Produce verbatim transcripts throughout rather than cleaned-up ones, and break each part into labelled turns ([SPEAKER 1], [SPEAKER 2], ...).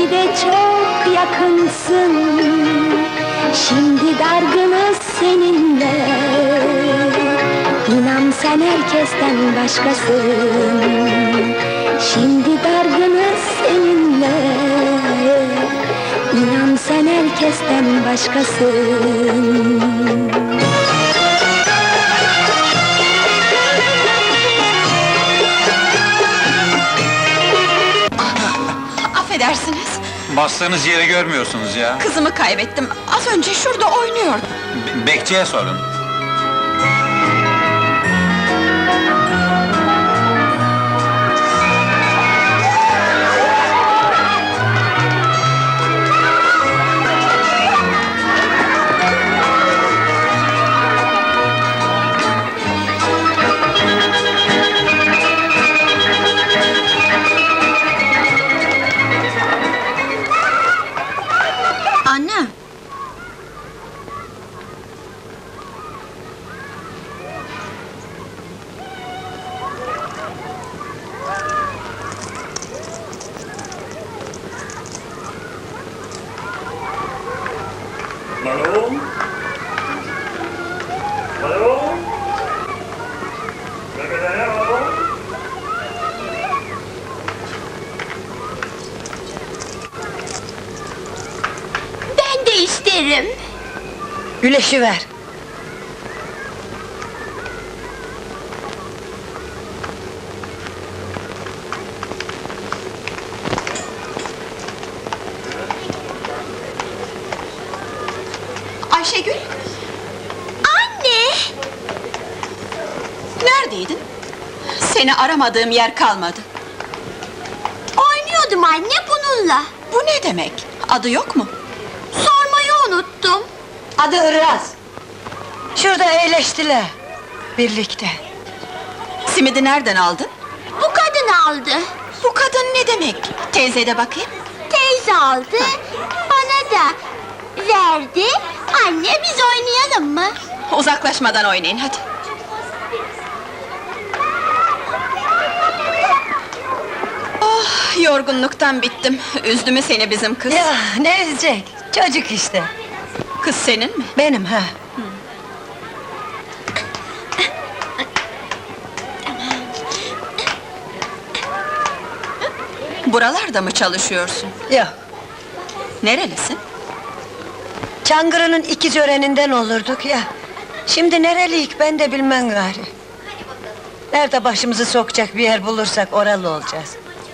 [SPEAKER 1] Şimdi de çok yakınsın, şimdi dargınız seninle. İnan sen herkesten başkasın, şimdi dargınız seninle. İnan sen herkesten başkasın.
[SPEAKER 2] Affedersiniz,
[SPEAKER 3] Bastığınız yeri görmüyorsunuz ya.
[SPEAKER 2] kızımı kaybettim. Az önce şurada oynuyordu.
[SPEAKER 3] Be- bekçiye sorun.
[SPEAKER 2] Anne!
[SPEAKER 4] Hallo? Hallo? Wer geht daher, hallo?
[SPEAKER 1] Ben de isterim.
[SPEAKER 5] Güleşi ver.
[SPEAKER 2] Ayşegül!
[SPEAKER 1] Anne!
[SPEAKER 2] Neredeydin? Seni aramadığım yer kalmadı.
[SPEAKER 1] Oynuyordum anne bununla.
[SPEAKER 2] Bu ne demek? Adı yok mu?
[SPEAKER 1] Sormayı unuttum.
[SPEAKER 5] Adı Iraz. Şurada eğleştiler. Birlikte.
[SPEAKER 2] Simidi nereden aldın?
[SPEAKER 1] Bu kadın aldı.
[SPEAKER 2] Bu kadın ne demek? Teyze de bakayım.
[SPEAKER 1] Teyze aldı, bana da verdi. Anne biz oynayalım mı?
[SPEAKER 2] Uzaklaşmadan oynayın hadi. Oh, yorgunluktan bittim. Üzdü mü seni bizim kız?
[SPEAKER 5] Ya ne üzecek? Çocuk işte.
[SPEAKER 2] Kız senin mi?
[SPEAKER 5] Benim ha.
[SPEAKER 2] Buralarda mı çalışıyorsun?
[SPEAKER 5] Yok.
[SPEAKER 2] Nerelisin?
[SPEAKER 5] Çangırı'nın ikiz öreninden olurduk ya. Şimdi nereliyik ben de bilmem gari. Nerede başımızı sokacak bir yer bulursak oralı olacağız.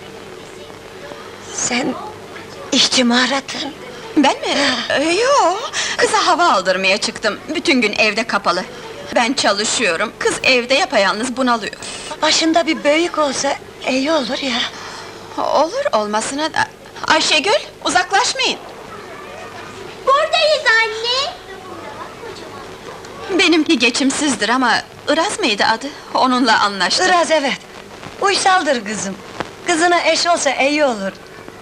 [SPEAKER 5] Sen işçi mi aradın?
[SPEAKER 2] Ben mi? Ee, yo, kıza hava aldırmaya çıktım. Bütün gün evde kapalı. Ben çalışıyorum, kız evde yapayalnız bunalıyor.
[SPEAKER 5] Başında bir büyük olsa iyi olur ya.
[SPEAKER 2] Olur, olmasına da... Ayşegül, uzaklaşmayın!
[SPEAKER 1] Buradayız anne.
[SPEAKER 2] Benimki geçimsizdir ama... Iraz mıydı adı? Onunla anlaştık.
[SPEAKER 5] Iraz evet. Uysaldır kızım. Kızına eş olsa iyi olur.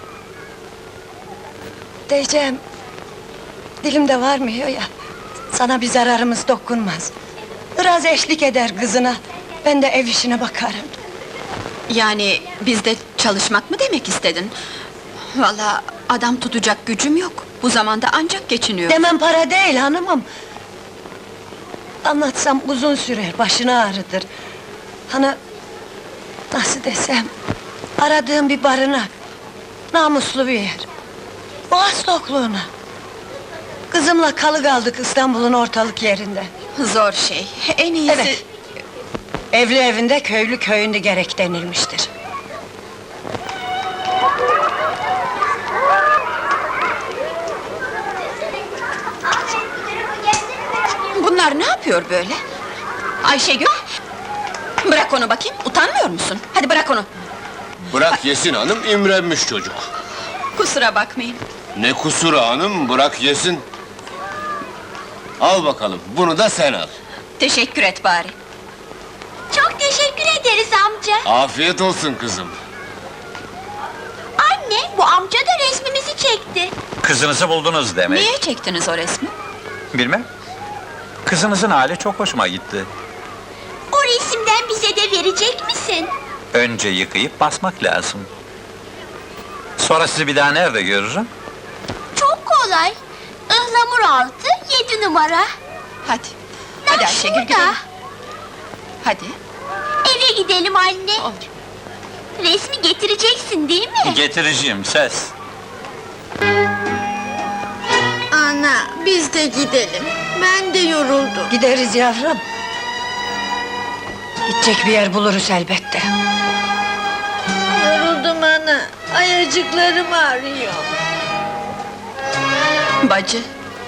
[SPEAKER 5] Diyeceğim... Dilimde varmıyor ya... Sana bir zararımız dokunmaz. Iraz eşlik eder kızına... Ben de ev işine bakarım.
[SPEAKER 2] Yani bizde çalışmak mı demek istedin? Vallahi adam tutacak gücüm yok. Bu zamanda ancak geçiniyor.
[SPEAKER 5] Demem para değil hanımım. Anlatsam uzun sürer, başını ağrıtır. Hani... Nasıl desem... Aradığım bir barınak... Namuslu bir yer... Boğaz tokluğuna... Kızımla kalı kaldık İstanbul'un ortalık yerinde.
[SPEAKER 2] Zor şey, en iyisi...
[SPEAKER 5] Evet. Evli evinde, köylü köyünde gerek denilmiştir.
[SPEAKER 2] Bunlar ne yapıyor böyle? Ayşegül! Bırak onu bakayım, utanmıyor musun? Hadi bırak onu!
[SPEAKER 6] Bırak yesin hanım, imrenmiş çocuk.
[SPEAKER 2] Kusura bakmayın.
[SPEAKER 6] Ne kusuru hanım, bırak yesin. Al bakalım, bunu da sen al.
[SPEAKER 2] Teşekkür et bari.
[SPEAKER 1] Çok teşekkür ederiz amca.
[SPEAKER 6] Afiyet olsun kızım.
[SPEAKER 1] Anne, bu amca da resmimizi çekti.
[SPEAKER 3] Kızınızı buldunuz demek.
[SPEAKER 2] Niye çektiniz o resmi?
[SPEAKER 3] Bilmem. Kızınızın hali çok hoşuma gitti.
[SPEAKER 1] O resimden bize de verecek misin?
[SPEAKER 3] Önce yıkayıp basmak lazım. Sonra sizi bir daha nerede görürüm?
[SPEAKER 1] Çok kolay. Ihlamur altı, yedi numara.
[SPEAKER 2] Hadi.
[SPEAKER 1] Ya
[SPEAKER 2] Hadi Ayşegül
[SPEAKER 1] şurada.
[SPEAKER 2] gidelim. Hadi.
[SPEAKER 1] Eve gidelim anne.
[SPEAKER 2] Olur.
[SPEAKER 1] Resmi getireceksin değil mi?
[SPEAKER 3] Getireceğim, ses.
[SPEAKER 2] Ana, biz de gidelim. Ben de yoruldum.
[SPEAKER 5] Gideriz yavrum. Gidecek bir yer buluruz elbette.
[SPEAKER 2] Yoruldum ana. Ayacıklarım ağrıyor. Bacı.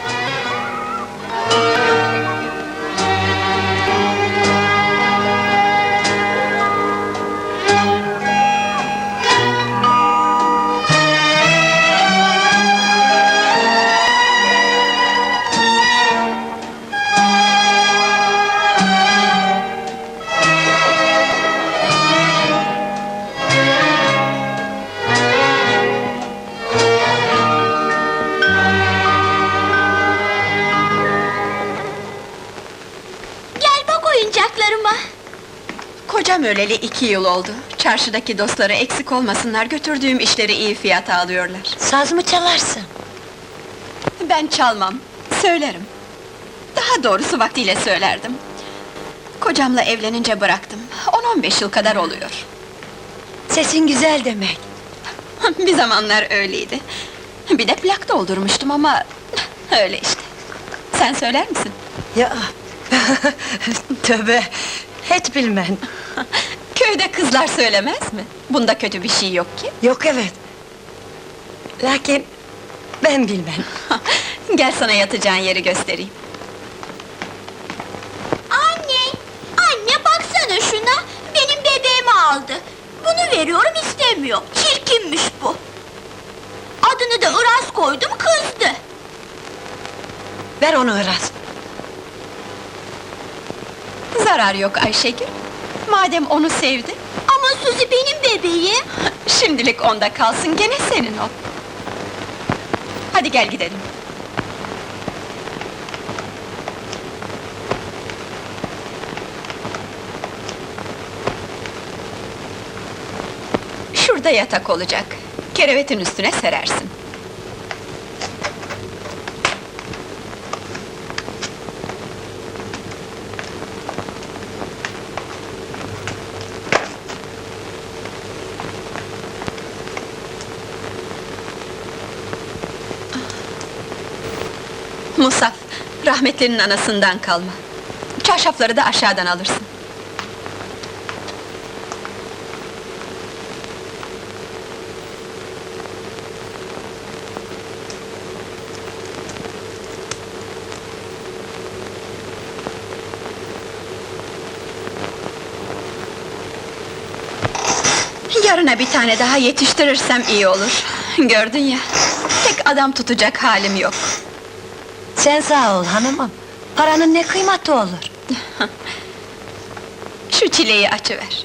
[SPEAKER 1] Gel bak oyuncaklarıma.
[SPEAKER 2] Kocam öleli iki yıl oldu. Çarşıdaki dostları eksik olmasınlar, götürdüğüm işleri iyi fiyata alıyorlar.
[SPEAKER 5] Saz mı çalarsın?
[SPEAKER 2] Ben çalmam, söylerim. Daha doğrusu vaktiyle söylerdim. Kocamla evlenince bıraktım. on on beş yıl kadar oluyor.
[SPEAKER 5] Sesin güzel demek.
[SPEAKER 2] Bir zamanlar öyleydi. Bir de plak doldurmuştum ama... öyle işte. Sen söyler misin?
[SPEAKER 5] Ya, tövbe, hiç bilmem.
[SPEAKER 2] Köyde kızlar söylemez mi? Bunda kötü bir şey yok ki.
[SPEAKER 5] Yok evet. Lakin ben bilmem.
[SPEAKER 2] Gel sana yatacağın yeri göstereyim.
[SPEAKER 1] Anne, anne baksana şuna. Benim bebeğimi aldı. Bunu veriyorum istemiyor. Çirkinmiş bu. Adını da Iraz koydum, kızdı.
[SPEAKER 5] Ver onu Iraz.
[SPEAKER 2] Zarar yok Ayşegül. Madem onu sevdi,
[SPEAKER 1] Ama Suzi benim bebeğim.
[SPEAKER 2] şimdilik onda kalsın, gene senin o. Hadi gel gidelim. Şurada yatak olacak. Kerevetin üstüne serersin. Musaf, rahmetlinin anasından kalma. Çarşafları da aşağıdan alırsın. Yarına bir tane daha yetiştirirsem iyi olur. Gördün ya, tek adam tutacak halim yok.
[SPEAKER 5] Sen sağ ol hanımım. Paranın ne kıymeti olur?
[SPEAKER 2] Şu çileyi açıver.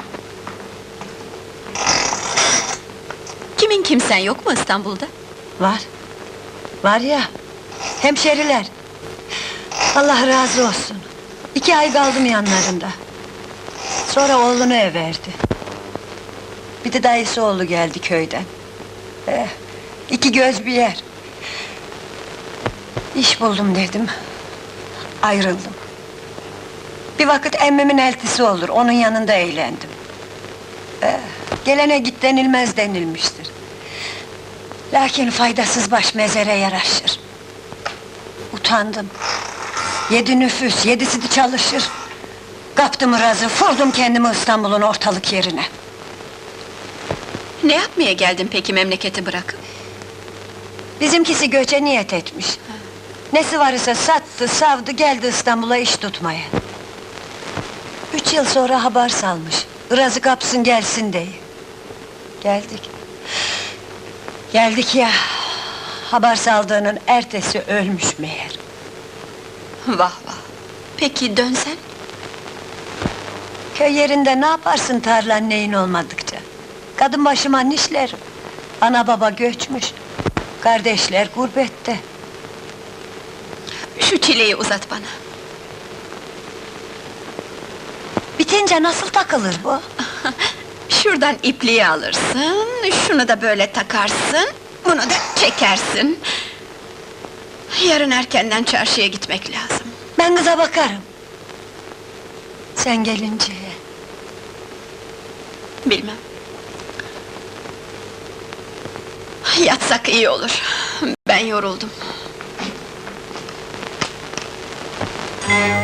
[SPEAKER 2] Kimin kimsen yok mu İstanbul'da?
[SPEAKER 5] Var. Var ya, hemşeriler. Allah razı olsun. İki ay kaldım yanlarında. Sonra oğlunu ev verdi. Bir de dayısı oğlu geldi köyden. Eh, iki göz bir yer. İş buldum dedim. Ayrıldım. Bir vakit emmimin eltisi olur, onun yanında eğlendim. Eh, gelene git denilmez denilmiştir. Lakin faydasız baş mezere yaraşır. Utandım. Yedi nüfus, yedisi de çalışır. Kaptım razı, vurdum kendimi İstanbul'un ortalık yerine.
[SPEAKER 2] Ne yapmaya geldin peki memleketi bırakıp?
[SPEAKER 5] Bizimkisi göçe niyet etmiş. Nesi var ise sattı, savdı, geldi İstanbul'a iş tutmaya. Üç yıl sonra haber salmış. Iraz'ı kapsın gelsin diye. Geldik. Geldik ya. Haber saldığının ertesi ölmüş meğer.
[SPEAKER 2] Vah vah! Peki dönsen?
[SPEAKER 5] Köy yerinde ne yaparsın tarlan neyin olmadıkça? Kadın başıma nişlerim. Ana baba göçmüş. Kardeşler gurbette.
[SPEAKER 2] Şu çileyi uzat bana.
[SPEAKER 5] Bitince nasıl takılır bu?
[SPEAKER 2] Şuradan ipliği alırsın, şunu da böyle takarsın, bunu da çekersin. Yarın erkenden çarşıya gitmek lazım.
[SPEAKER 5] Ben kıza bakarım. Sen gelince.
[SPEAKER 2] Bilmem. Yatsak iyi olur. Ben yoruldum.